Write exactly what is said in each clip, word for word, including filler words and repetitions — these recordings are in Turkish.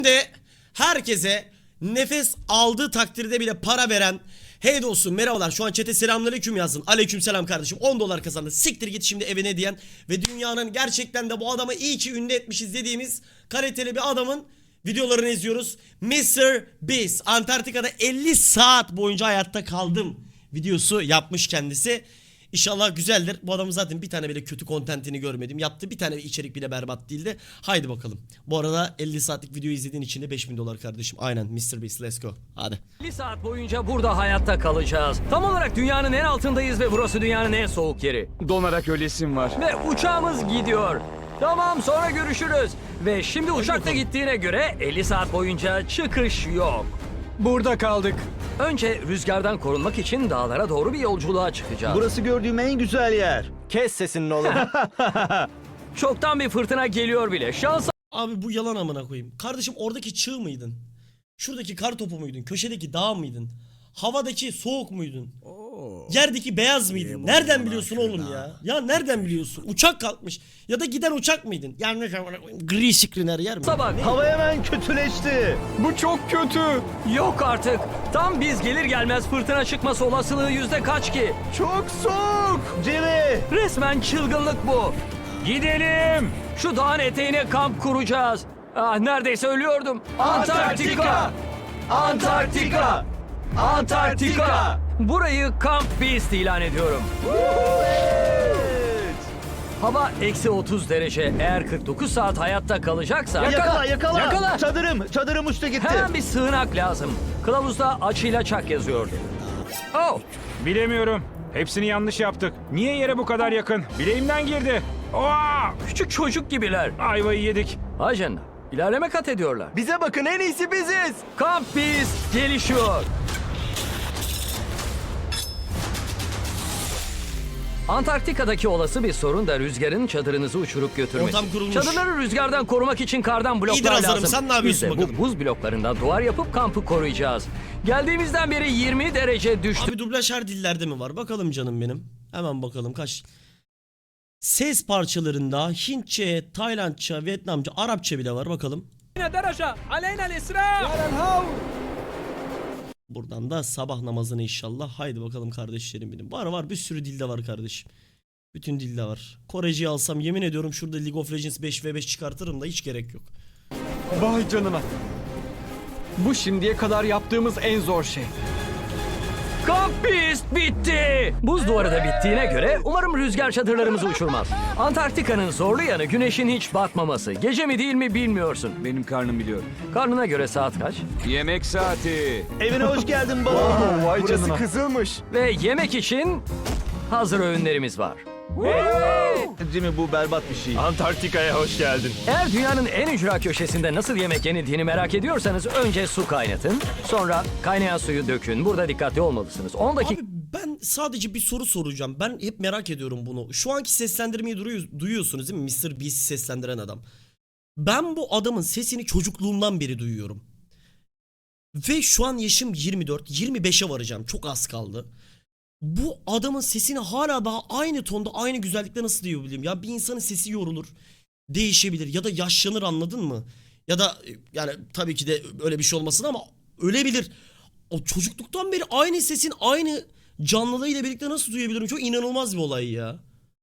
de herkese nefes aldığı takdirde bile para veren, hey dostum merhabalar, şu an chat'e selamünaleyküm yazın. Aleykümselam kardeşim, on dolar kazandı, siktir git şimdi evine diyen ve dünyanın gerçekten de bu adamı iyi ki ünlü etmişiz dediğimiz kaliteli bir adamın videolarını izliyoruz. mister Beast Antarktika'da elli saat boyunca hayatta kaldım videosu yapmış kendisi. İnşallah güzeldir. Bu adamın zaten bir tane bile kötü kontentini görmedim. Yaptığı bir tane içerik bile berbat değildi. Haydi bakalım. Bu arada elli saatlik video izlediğin için de beş bin dolar kardeşim. Aynen mister Beast, let's go. Hadi. elli saat boyunca burada hayatta kalacağız. Tam olarak dünyanın en altındayız ve burası dünyanın en soğuk yeri. Donarak ölesim var. Ve uçağımız gidiyor. Tamam, sonra görüşürüz. Ve şimdi uçakta gittiğine göre elli saat boyunca çıkış yok. Burada kaldık. Önce rüzgardan korunmak için dağlara doğru bir yolculuğa çıkacağız. Burası gördüğüm en güzel yer. Kes sesini oğlum. Çoktan bir fırtına geliyor bile. Şansa Abi bu yalan amına koyayım. Kardeşim oradaki çığ mıydın? Şuradaki kar topu muydun? Köşedeki dağ mıydın? Havadaki soğuk muydun? Yerdeki beyaz mıydın? Nereden biliyorsun oğlum ya? Ya nereden biliyorsun? Uçak kalkmış. Ya da giden uçak mıydın? Yani gri screen her yer mi? sabah Hava hemen kötüleşti. Bu çok kötü. yok artık. Tam biz gelir gelmez fırtına çıkması olasılığı yüzde kaç ki? Çok soğuk. Jimmy. Resmen çılgınlık bu. Gidelim. Şu dağın eteğine kamp kuracağız. Ah, neredeyse ölüyordum. Antarktika! Antarktika! Antarktika! Burayı Camp Beast ilan ediyorum. Evet. Hava eksi otuz derece. Eğer kırk dokuz saat hayatta kalacaksa... Yakala yakala. Yakala! Çadırım. Çadırım uçtu gitti. Hemen bir sığınak lazım. Kılavuzda açıyla çak yazıyordu. Oh! Bilemiyorum. Hepsini yanlış yaptık. Niye yere bu kadar yakın? Bileğimden girdi. Oha! Küçük çocuk gibiler. Ayvayı yedik. Ajan, ilerleme kat ediyorlar. Bize bakın, en iyisi biziz. Camp Beast gelişiyor. Antarktika'daki olası bir sorun da rüzgarın çadırınızı uçurup götürmesi. Ortam kurulmuş. Çadırları rüzgardan korumak için kardan bloklar İyidir Hazarım, lazım. sen ne yapıyorsun Biz de bakalım? bu buz bloklarından duvar yapıp kampı koruyacağız. Geldiğimizden beri yirmi derece düştü. Abi dublaj her dillerde mi var? Bakalım canım benim. Hemen bakalım kaç. Ses parçalarında Hintçe, Taylandça, Vietnamca, Arapça bile var. Bakalım. Buradan da sabah namazını inşallah. Haydi bakalım kardeşlerim benim. Var var bir sürü dilde var kardeşim. Bütün dilde var. Koreciyi alsam yemin ediyorum şurada League of Legends beş ve beş çıkartırım da hiç gerek yok. Vay canına. Bu şimdiye kadar yaptığımız en zor şey. Camp Beast bitti. Buz duvarı da bittiğine göre umarım rüzgar çadırlarımızı uçurmaz. Antarktika'nın zorlu yanı güneşin hiç batmaması. Gece mi değil mi bilmiyorsun. Benim karnım biliyor. Karnına göre saat kaç? Yemek saati. Evine hoş geldin baba. Vay Burası canına. kızılmış. Ve yemek için hazır öğünlerimiz var. Jimmy bu berbat bir şey. Antarktika'ya hoş geldin. Eğer dünyanın en ücra köşesinde nasıl yemek yenildiğini merak ediyorsanız önce su kaynatın. Sonra kaynayan suyu dökün. Burada dikkatli olmalısınız. on dakika Abi ben sadece bir soru soracağım. Ben hep merak ediyorum bunu. Şu anki seslendirmeyi duruyor- duyuyorsunuz değil mi? mister Beast'i seslendiren adam. Ben bu adamın sesini çocukluğumdan beri duyuyorum. Ve şu an yaşım yirmi dört, yirmi beşe varacağım. Çok az kaldı. Bu adamın sesini hala daha aynı tonda, aynı güzellikte nasıl duyabilirim? Ya bir insanın sesi yorulur, değişebilir ya da yaşlanır, anladın mı? Ya da yani tabii ki de öyle bir şey olmasın ama ölebilir. O çocukluktan beri aynı sesin aynı canlılığıyla birlikte nasıl duyabilirim? Çok inanılmaz bir olay ya.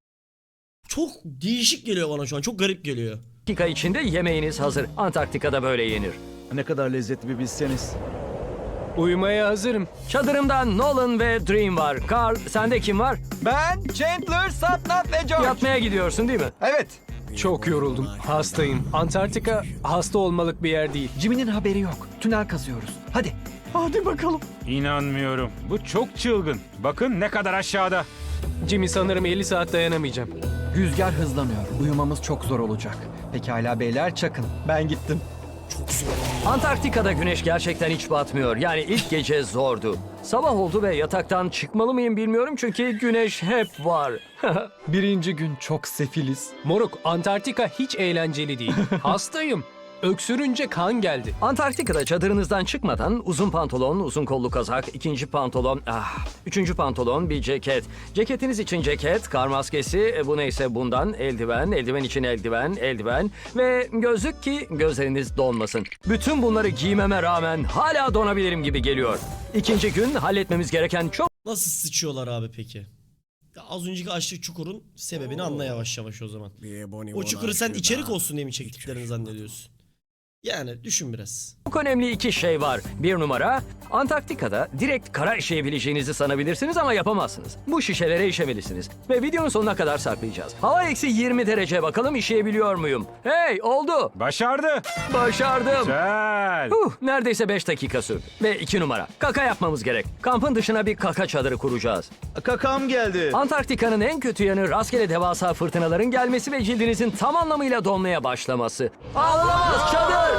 Çok değişik geliyor bana şu an. Çok garip geliyor. içinde yemeğiniz hazır. Antarktika'da böyle yenir. Ne kadar lezzetli bir bilseniz. Uyumaya hazırım. Çadırımda Nolan ve Dream var. Carl, sende kim var? Ben Chandler, Satnam ve George. Yatmaya gidiyorsun değil mi? Evet. Çok yoruldum. Hastayım. Antarktika hasta olmalık bir yer değil. Jimmy'nin haberi yok. Tünel kazıyoruz. Hadi. Hadi bakalım. İnanmıyorum. Bu çok çılgın. Bakın ne kadar aşağıda. Jimmy, sanırım elli saat dayanamayacağım. Rüzgar hızlanıyor. Uyumamız çok zor olacak. Pekala beyler, çakın. Ben gittim. Antarktika'da güneş gerçekten hiç batmıyor. Yani ilk gece zordu. Sabah oldu ve yataktan çıkmalı mıyım bilmiyorum çünkü güneş hep var. Birinci gün çok sefiliz. Moruk, Antarktika hiç eğlenceli değil. Hastayım. Öksürünce kan geldi. Antarktika'da çadırınızdan çıkmadan uzun pantolon, uzun kollu kazak, ikinci pantolon, ah, üçüncü pantolon, bir ceket. Ceketiniz için ceket, kar maskesi, e, bu neyse bundan, eldiven, eldiven için eldiven, eldiven ve gözlük ki gözleriniz donmasın. Bütün bunları giymeme rağmen hala donabilirim gibi geliyor. İkinci gün halletmemiz gereken çok Nasıl sıçıyorlar abi peki? Ya az önceki açlık çukurun sebebini anla yavaş yavaş o zaman. O çukuru sen içerik olsun diye mi çektiklerini zannediyorsun? Yani düşün biraz. Çok önemli iki şey var. Bir numara, Antarktika'da direkt kara işeyebileceğinizi sanabilirsiniz ama yapamazsınız. Bu şişelere işemelisiniz. Ve videonun sonuna kadar saklayacağız. Hava eksi yirmi derece, bakalım işeyebiliyor muyum? Hey, oldu. Başardı. Başardım. Güzel. Huh, neredeyse beş dakika sürdü. Ve iki numara, kaka yapmamız gerek. Kampın dışına bir kaka çadırı kuracağız. Kakam geldi. Antarktika'nın en kötü yanı rastgele devasa fırtınaların gelmesi ve cildinizin tam anlamıyla donmaya başlaması. Ağlamaz çadır!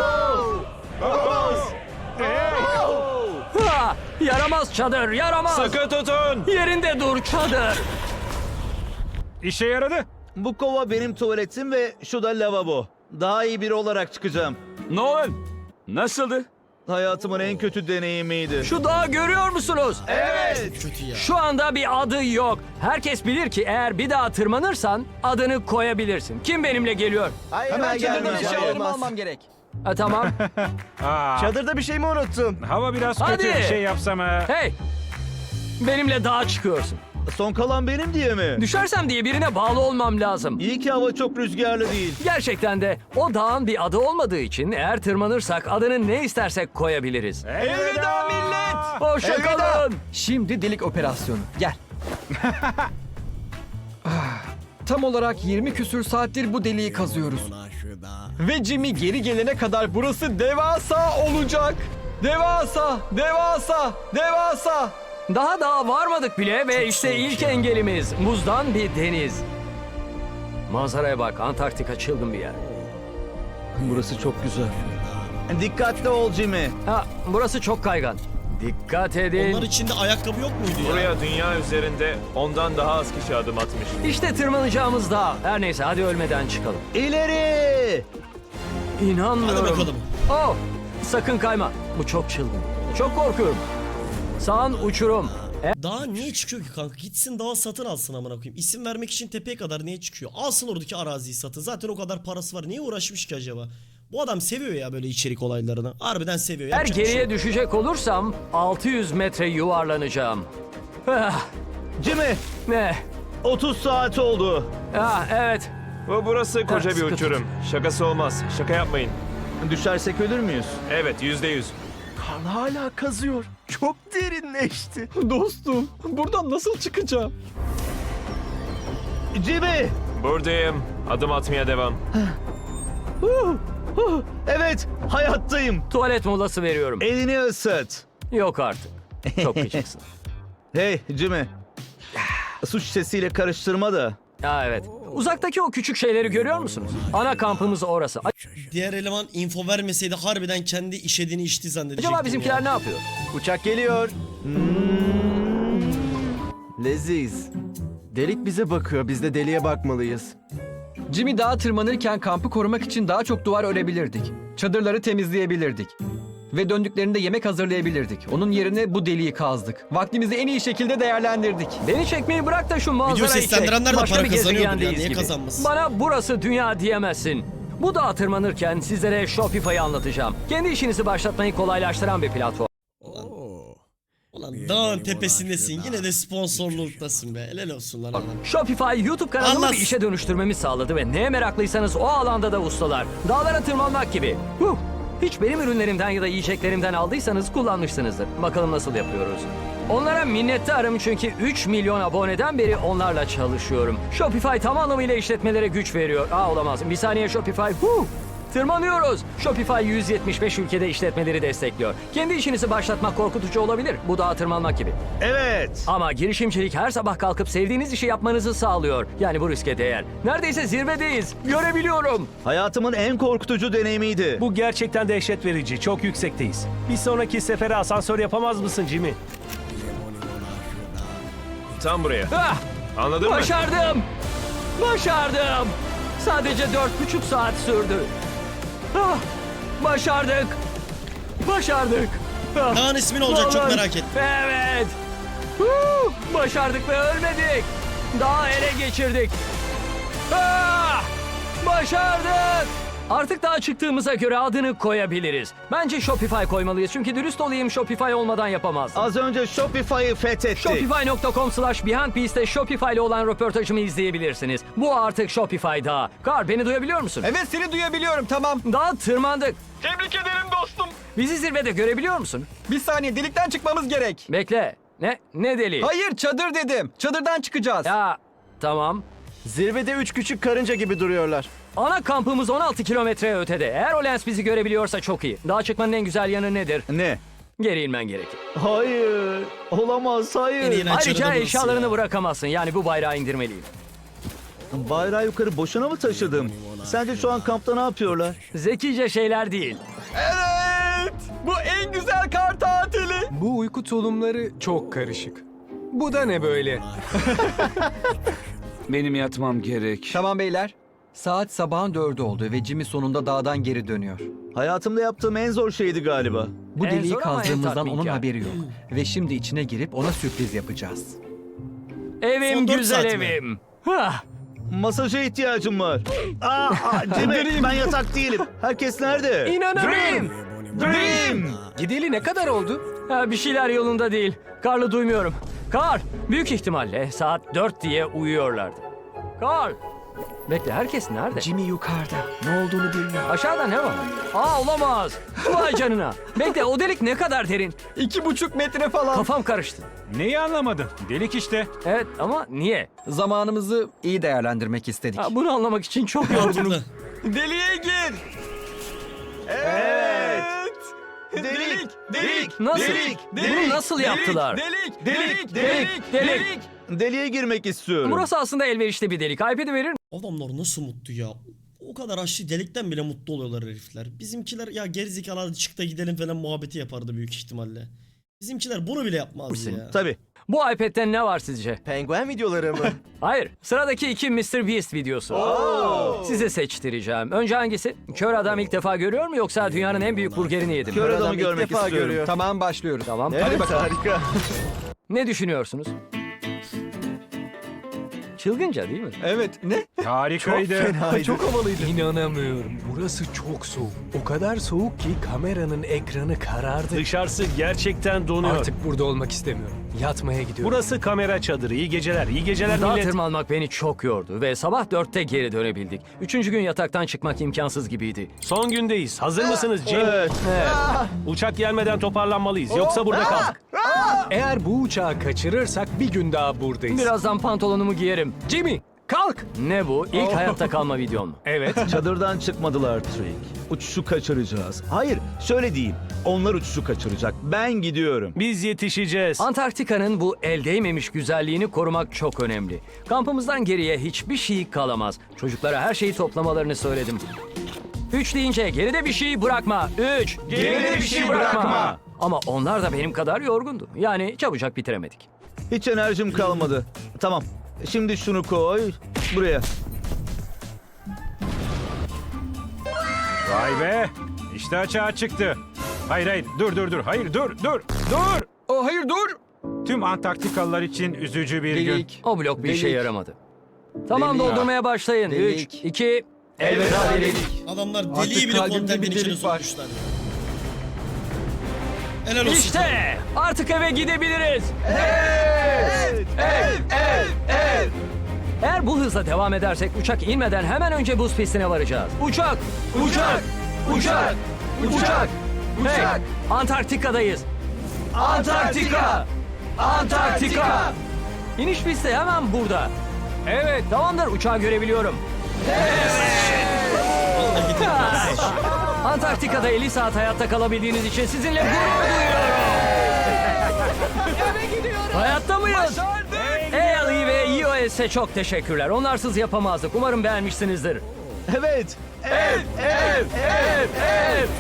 Ha, yaramaz çadır, yaramaz! Sıkı tutun. Yerinde dur çadır! İşe yaradı. Bu kova benim tuvaletim ve şu da lavabo. Daha iyi biri olarak çıkacağım. Nolan. Nasıldı? Hayatımın en kötü deneyimiydi. Şu dağı görüyor musunuz? Evet. Kötü ya. Şu anda bir adı yok. Herkes bilir ki eğer bir daha tırmanırsan adını koyabilirsin. Kim benimle geliyor? Hemen Çadırdan gelmeyeceğim. eşyalarımı almam gerek. Ha, tamam. Aa, Çadırda bir şey mi unuttum? hava biraz Hadi. kötü. Bir şey yapsam ha. Hey! Benimle dağa çıkıyorsun. Son kalan benim diye mi? Düşersem diye birine bağlı olmam lazım. İyi ki hava çok rüzgarlı değil. Gerçekten de o dağın bir adı olmadığı için eğer tırmanırsak adını ne istersek koyabiliriz. Elveda millet. Hoşça kalın. Şimdi delik operasyonu. Gel. Ah, Tam olarak yirmi küsür saattir bu deliği kazıyoruz. Ve Jimmy geri gelene kadar burası devasa olacak. Devasa, devasa, devasa. Daha dağa varmadık bile ve işte ilk engelimiz buzdan bir deniz. Manzaraya bak, Antarktika çılgın bir yer. Burası çok güzel. Dikkatli ol Jimmy. Ha, burası çok kaygan. Dikkat edin. Onlar içinde ayakkabı yok muydu ya? Buraya dünya üzerinde ondan daha az kişi adım atmış. İşte tırmanacağımız dağ. Her neyse hadi ölmeden çıkalım. İleri! İnanmıyorum. Hadi bakalım. Oh, sakın kayma. Bu çok çılgın. Çok korkuyorum. Sağın uçurum. Dağa niye çıkıyor ki kanka? Gitsin dağa satın alsın amına koyayım. İsim vermek için tepeye kadar niye çıkıyor? Alsın oradaki araziyi satın. Zaten o kadar parası var. Niye uğraşmış ki acaba? Bu adam seviyor ya böyle içerik olaylarını. Harbiden seviyor. Eğer Yapacak bir şey geriye yok. düşecek olursam altı yüz metre yuvarlanacağım. Ah, Jimmy, ne? otuz saat oldu. Ah, evet. Bu burası koca Ha, bir sıkı uçurum. Şakası olmaz. Şaka yapmayın. Düşersek ölür müyüz? Evet, yüzde yüz. Hala kazıyor. Çok derinleşti. Dostum, buradan nasıl çıkacağım? Jimmy! Buradayım. Adım atmaya devam. Huh, huh. Evet, hayattayım. Tuvalet molası veriyorum. Elini ısıt. Yok artık. Çok küçüksün. Hey Jimmy. Su şişesiyle karıştırma da. Ha, evet. Uzaktaki o küçük şeyleri görüyor musunuz? Ana kampımız orası. Diğer eleman info vermeseydi harbiden kendi işediğini içti zannedecektim. Acaba bizimkiler ya. ne yapıyor? Uçak geliyor. Hmm. Leziz. Delik bize bakıyor. Biz de deliğe bakmalıyız. Jimmy dağa tırmanırken kampı korumak için daha çok duvar örebilirdik. Çadırları temizleyebilirdik. Ve döndüklerinde yemek hazırlayabilirdik. Onun yerine bu deliği kazdık. Vaktimizi en iyi şekilde değerlendirdik. Beni çekmeyi bırak da şu manzarayı çek. seslendirenler de Başka para bir kazanıyordur ya, gezegendeyiz niye gibi. kazanmasın? Bana burası dünya diyemezsin. Bu dağa tırmanırken sizlere Shopify'ı anlatacağım. Kendi işinizi başlatmayı kolaylaştıran bir platform. Ulan dağın tepesindesin yine de sponsorluktasın be. Helal olsun lan adam. Shopify YouTube kanalımı Allah- bir işe dönüştürmemi sağladı ve neye meraklıysanız o alanda da ustalar. Dağlara tırmanmak gibi. Huh. Hiç benim ürünlerimden ya da yiyeceklerimden aldıysanız kullanmışsınızdır. Bakalım nasıl yapıyoruz. Onlara minnettarım çünkü üç milyon aboneden beri onlarla çalışıyorum. Shopify tam anlamıyla işletmelere güç veriyor. Aa olamaz. Bir saniye Shopify. Huh. Tırmanıyoruz. Shopify yüz yetmiş beş ülkede işletmeleri destekliyor. Kendi işinizi başlatmak korkutucu olabilir. Bu dağa tırmanmak gibi. Evet. Ama girişimcilik her sabah kalkıp sevdiğiniz işi yapmanızı sağlıyor. Yani bu riske değer. Neredeyse zirvedeyiz. Görebiliyorum. Hayatımın en korkutucu deneyimiydi. Bu gerçekten dehşet verici. Çok yüksekteyiz. Bir sonraki sefere asansör yapamaz mısın Jimmy? Tam buraya. Ah, Anladın mı? başardım. Başardım. Sadece dört buçuk saat sürdü. Ah, Başardık. Başardık. Ah, Dağın ismi ne olacak çok Nolan. merak ettim. Evet. Huu, başardık ve ölmedik. Dağı ele geçirdik. Ah, başardık. Artık dağa çıktığımıza göre adını koyabiliriz. Bence Shopify koymalıyız çünkü dürüst olayım Shopify olmadan yapamazdım. Az önce Shopify'ı fethettik. Shopify nokta com slash BeyondBeast'te Shopify ile olan röportajımı izleyebilirsiniz. Bu artık Shopify dağı. Kar beni duyabiliyor musun? Evet seni duyabiliyorum tamam. Dağa tırmandık. Tebrik ederim dostum. Bizi zirvede görebiliyor musun? Bir saniye delikten çıkmamız gerek. Bekle. Ne? Ne deli? Hayır çadır dedim. Çadırdan çıkacağız. Ya tamam. Zirvede üç küçük karınca gibi duruyorlar. Ana kampımız on altı kilometre ötede. Eğer o lens bizi görebiliyorsa çok iyi. Dağa çıkmanın en güzel yanı nedir? Ne? Geri inmen gerekir. Hayır. Olamaz En hayır. iyi Ayrıca çarıda burası eşyalarını ya. bırakamazsın. Yani bu bayrağı indirmeliyim. Bayrağı yukarı boşuna mı taşıdım? Sence şu an kampta ne yapıyorlar? Zekice şeyler değil. Evet. Bu en güzel kar tatili. Bu uyku tulumları çok karışık. Bu da ne böyle? Benim yatmam gerek. Tamam beyler. Saat sabahın dördü oldu ve Jimmy sonunda dağdan geri dönüyor. Hayatımda yaptığım en zor şeydi galiba. Bu En deliği zor ama en kazdığımızdan onun tatminkar. haberi yok. Ve şimdi içine girip ona sürpriz yapacağız. Evim Son dört güzel saat mi? evim. Hah. Masaja ihtiyacım var. Aa, aa Jimmy, ben yatak değilim. Herkes nerede? İnanamıyorum. Dream! Gideli ne kadar oldu? Ha, bir şeyler yolunda değil. Karlı duymuyorum. Kar, büyük ihtimalle saat dört diye uyuyorlardı. Kar. Bekle, herkes nerede? Jimmy yukarıda. Ne olduğunu bilmiyor. Aşağıda ne var? Aa, olamaz. Vay canına. Bekle, o delik ne kadar derin? İki buçuk metre falan. Kafam karıştı. Neyi anlamadın? Delik işte. Evet ama niye? Zamanımızı iyi değerlendirmek istedik. Ha, bunu anlamak için çok yorgunum. Mantıklı. Deliğe gir. Evet. Delik, delik, Nasıl? delik, Bunu nasıl yaptılar? Delik, Delik, Delik, delik. Deliğe girmek istiyorum. Burası aslında elverişli bir delik. iPad'i verir Adamlar nasıl mutlu ya. O kadar açlı delikten bile mutlu oluyorlar herifler. Bizimkiler ya gerizekalı hadi çık da gidelim falan muhabbeti yapardı büyük ihtimalle. Bizimkiler bunu bile yapmaz ya. Tabii. Bu iPad'den ne var sizce? Penguen videoları mı? Hayır. Sıradaki iki mister Beast videosu. Size seçtireceğim. Önce hangisi? Kör adam ilk defa görüyor mu yoksa dünyanın en büyük burgerini yedi mi? Kör adamı Adam ilk görmek defa istiyorum. görüyor. Tamam başlıyoruz. Tamam. Evet harika. Ne düşünüyorsunuz? Çılgınca değil mi? Evet. Ne? Harikaydı. Fenaydı. Çok havalıydı. İnanamıyorum. Burası çok soğuk. O kadar soğuk ki kameranın ekranı karardı. Dışarısı gerçekten donuyor. Artık burada olmak istemiyorum. Yatmaya gidiyorum. Burası kamera çadırı. İyi geceler. İyi geceler Dağa millet. tırmanmak beni çok yordu ve sabah dörtte geri dönebildik. Üçüncü gün yataktan çıkmak imkansız gibiydi. Son gündeyiz. Hazır mısınız Jim? Evet. Uçak gelmeden toparlanmalıyız. Yoksa burada kaldık. Eğer bu uçağı kaçırırsak bir gün daha buradayız. Birazdan pantolonumu giyerim. Jimmy kalk. Ne bu? İlk hayatta kalma videon mu? Evet. Çadırdan çıkmadılar Trick. Uçuşu kaçıracağız. Hayır, şöyle diyeyim. Onlar uçuşu kaçıracak. Ben gidiyorum. Biz yetişeceğiz. Antarktika'nın bu el değmemiş güzelliğini korumak çok önemli. Kampımızdan geriye hiçbir şey kalamaz. Çocuklara her şeyi toplamalarını söyledim. Üç deyince geride bir şey bırakma. Üç. Geride bir şey bırakma. Ama onlar da benim kadar yorgundu. Yani çabucak bitiremedik. Hiç enerjim kalmadı. Tamam. Şimdi şunu koy. Buraya. Vay be. İşte açığa çıktı. Hayır hayır dur dur dur. Hayır dur dur dur. Oh hayır dur. Tüm Antarktikalılar için üzücü bir gün. Delik. O blok bir Delik. işe yaramadı. Tamam Delik. doldurmaya başlayın. Delik. Üç, iki, elveda delik. Adamlar Artık deliği bile kalbimde kontentin bir içine delik var. sokmuşlar. Helal olsun. İşte artık eve gidebiliriz. Eğer bu hızla devam edersek uçak inmeden hemen önce buz pistine varacağız. Uçak! Uçak! Uçak! Uçak! Hey! Antarktika'dayız. Antarktika! Antarktika! İniş pisti hemen burada. Evet, tamamdır. Uçağı görebiliyorum. Antarktika'da elli saat hayatta kalabildiğiniz için sizinle gurur duyuyorum. Hayatta mıyız? Hey Ali ve E O S'e çok teşekkürler. Onlarsız yapamazdık. Umarım beğenmişsinizdir. Evet. Evet, evet, evet, evet.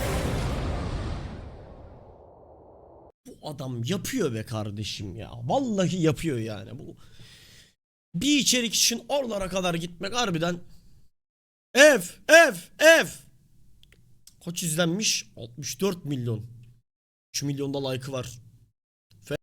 Bu adam yapıyor be kardeşim ya. Vallahi yapıyor yani. Bu bir içerik için oralara kadar gitmek harbiden F F F Kaç izlenmiş? altmış dört milyon. üç milyonda like'ı var.